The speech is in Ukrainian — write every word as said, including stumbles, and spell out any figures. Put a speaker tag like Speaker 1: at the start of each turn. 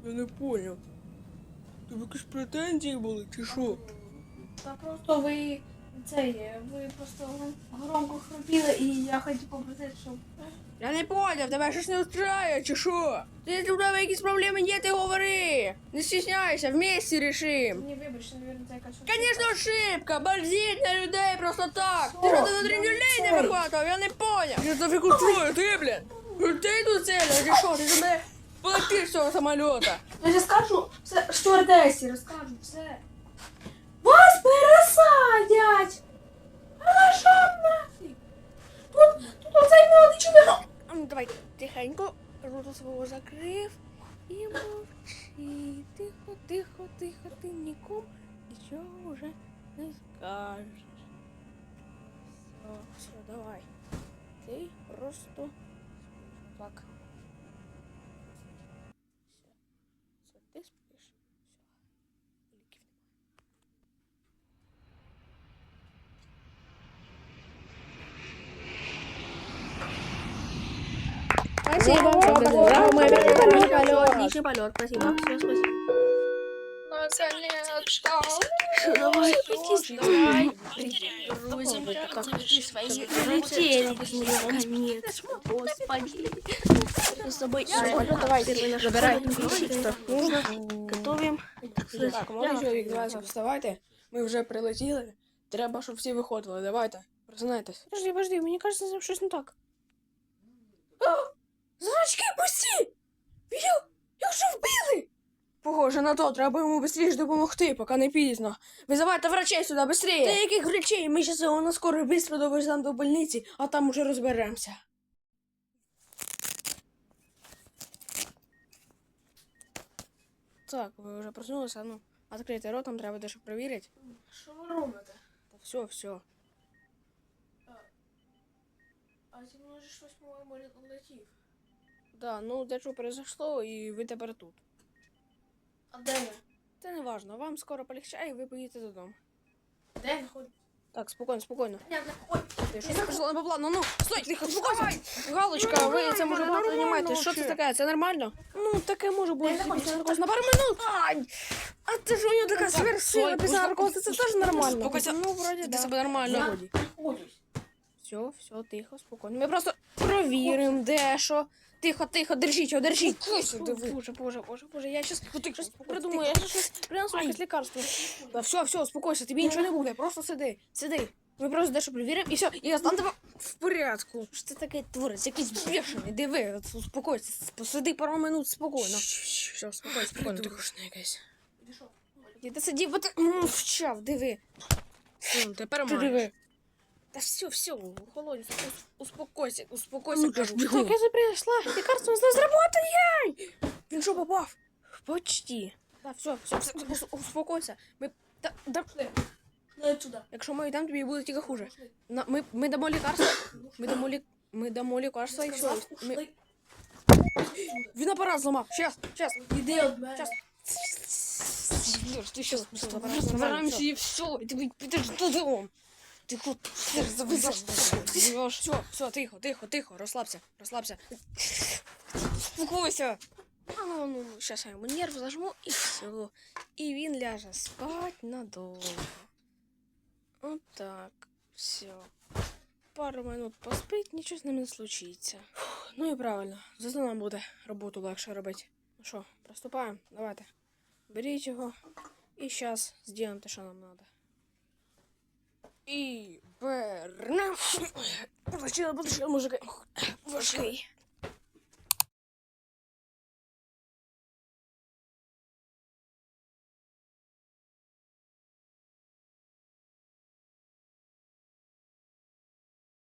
Speaker 1: Я не поняв. Тобі якісь претензії були, чи що?
Speaker 2: Та просто ви цей, ви просто громко хропіли і я хотів попросити, щоб...
Speaker 1: Я не поняв, тебе щось не устраює, чи що? Ти у тебе якісь проблеми є, ти говори. Не стісняйся, вместе рішим.
Speaker 2: Ні, вибачте, навірно, це якась...
Speaker 1: Конечно, ошибка, борзіть на людей просто так.
Speaker 2: Що?
Speaker 1: Ти що, ти на тренюлей не вихватував, я не поняв. Я тобі устрою, ти, блін. Ти тут целя, чи що? Ти ж мене полетиш з цього самоліта.
Speaker 2: Я ж скажу, все, стюардесі, розкажу, все. Вас пересадять! А на що нафіг? Тут, тут оцей молодий чоловік.
Speaker 1: А ну давай, тихенько, рота свого закрив і мовчи. Тихо, тихо, тихо, ти нікому нічого вже не скажеш. Все, все, давай. Ти просто так. Все, все, ти спиш. Все. Ліків
Speaker 3: Спасибо.
Speaker 1: Браво,
Speaker 3: мы
Speaker 1: отличный
Speaker 3: полет,
Speaker 1: полет,
Speaker 3: отличный полет, спасибо. Все, спасибо.
Speaker 1: Давай,
Speaker 3: Давай. Прилетели, наконец. Господи. С тобой.
Speaker 1: давай, забирай.
Speaker 3: Нужно. Готовим.
Speaker 1: Так, молодий чоловік, давайте вставайте. Ми вже прилетіли. Треба, щоб всі виходили. Давайте, просинайтесь.
Speaker 3: Подожди, подожди, мені кажется, там щось не так.
Speaker 1: Значки, пусті! Йо, його що вбили? Похоже на то, треба йому швидше допомогти, поки не пізно. Визивайте врачей сюди, швидше! Та яких врачей? Ми зараз його на скорий швидко довеземо до больниці, а там уже розберемося. Так, ви вже проснулися, ну, відкрийте рот, там треба дещо перевірити.
Speaker 2: Що ви робите?
Speaker 1: Та все, все.
Speaker 2: А зі мною ж щось, по-моєму, летів.
Speaker 1: Да, ну дещо произошло, і ви тепер тут.
Speaker 2: А де ви?
Speaker 1: Це не важно, вам скоро полегчає, і ви поїдете додому.
Speaker 2: Де ви ходите?
Speaker 1: Так, спокійно, спокійно.
Speaker 2: Я не ходь.
Speaker 1: Ти що не пішло не по плану? Ну, стой, тихо, спокойся. Галочка, ви це може план приймаєте. Що це таке? Це нормально? Ну, таке може бути після наркозу на пару минут. Ай! А це ж у нього така сверхсила після наркозу, це теж нормально. Спокойся. Ну, вроді, да. Себе нормально.
Speaker 2: Я ходюсь.
Speaker 1: Все, все, тихо, спокійно. Ми просто провіримо дещо. Тихо, тихо, держіть його, держіть. Боже, боже, боже, боже, я щас щось придумаю, я щас принесу якесь лікарство. Да, все, все, успокойся, тобі нічого не буде, просто сиди, сиди. Ми просто дещо перевіримо і все, і я стану тебе в порядку. Що це таке творець, якийсь бешений, диви, от успокойся, посиди пару минут спокійно. Все, спокійно, спокійно, ти хочеш на якесь. Ти сидів, бо ти мовчав, диви. Тепер диви. Да все, все, холодец, успокойся, успокойся, кажу.
Speaker 3: Так, я же пришла. Лекарство знаю,
Speaker 1: Работай! Він що, попав? Почти. Да, все, все, все, ус- успокойся. Ми, да, да,
Speaker 2: Ну, сюди.
Speaker 1: якщо ми йдемо, тобі буде тільки хуже. На, ми, ми дамо лікарство, ми дамо, лі, ми дамо лікарство і все. Ми... Він апарат зламав, щас, щас.
Speaker 2: Іди від мене.
Speaker 1: Щас. Ти щас, забираємося і все, і ти підеш додому. Ти хоч завезеш. Все, все, тихо, тихо, тихо, розслабся, розслабся. Успокойся. А ну, ну, сейчас я йому нерв зажму і все. І він ляже спать надовго. Вот так, все. Пару минут поспить, нічого з ним не случиться. Фух, ну і правильно, зато нам буде роботу легше робити. Ну що, приступаємо? Давайте. Беріть його і зараз зробимо те, що нам треба. І берем. Получило, получило, мужики. Важкий.